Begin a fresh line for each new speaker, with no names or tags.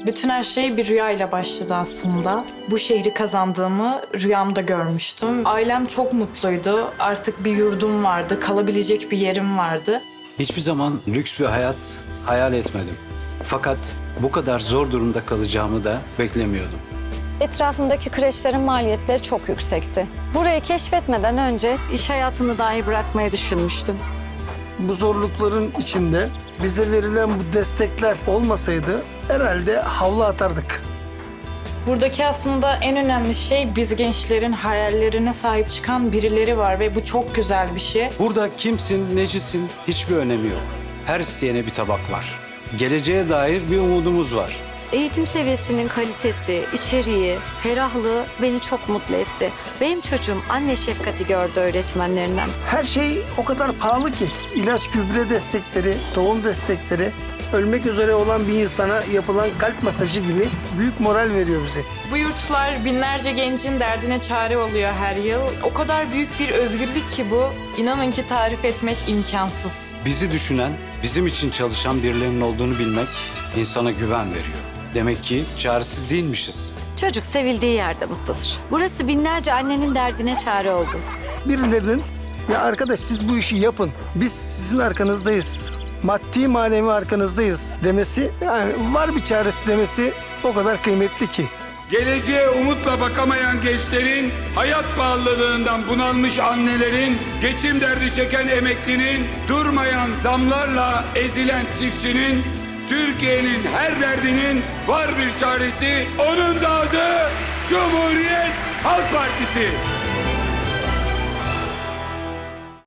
Bütün her şey bir rüyayla başladı aslında. Bu şehri kazandığımı rüyamda görmüştüm. Ailem çok mutluydu. Artık bir yurdum vardı, kalabilecek bir yerim vardı.
Hiçbir zaman lüks bir hayat hayal etmedim. Fakat bu kadar zor durumda kalacağımı da beklemiyordum.
Etrafımdaki kreşlerin maliyetleri çok yüksekti. Burayı keşfetmeden önce iş hayatını dahi bırakmayı düşünmüştüm.
Bu zorlukların içinde bize verilen bu destekler olmasaydı herhalde havlu atardık.
Buradaki aslında en önemli şey biz gençlerin hayallerine sahip çıkan birileri var ve bu çok güzel bir şey.
Burada kimsin, necisin hiçbir önemi yok. Her isteyene bir tabak var. Geleceğe dair bir umudumuz var.
Eğitim seviyesinin kalitesi, içeriği, ferahlığı beni çok mutlu etti. Benim çocuğum anne şefkati gördü öğretmenlerinden.
Her şey o kadar pahalı ki. İlaç, gübre destekleri, tohum destekleri, ölmek üzere olan bir insana yapılan kalp masajı gibi büyük moral veriyor bize.
Bu yurtlar binlerce gencin derdine çare oluyor her yıl. O kadar büyük bir özgürlük ki bu. İnanın ki tarif etmek imkansız.
Bizi düşünen, bizim için çalışan birilerinin olduğunu bilmek insana güven veriyor. Demek ki çaresiz değilmişiz.
Çocuk sevildiği yerde mutludur. Burası binlerce annenin derdine çare oldu.
Birilerinin ya arkadaş siz bu işi yapın, biz sizin arkanızdayız, maddi manevi arkanızdayız demesi, yani var bir çaresi demesi o kadar kıymetli ki.
Geleceğe umutla bakamayan gençlerin, hayat pahalılığından bunalmış annelerin, geçim derdi çeken emeklinin, durmayan zamlarla ezilen çiftçinin, Türkiye'nin her derdinin var bir çaresi, onun da adı Cumhuriyet Halk Partisi.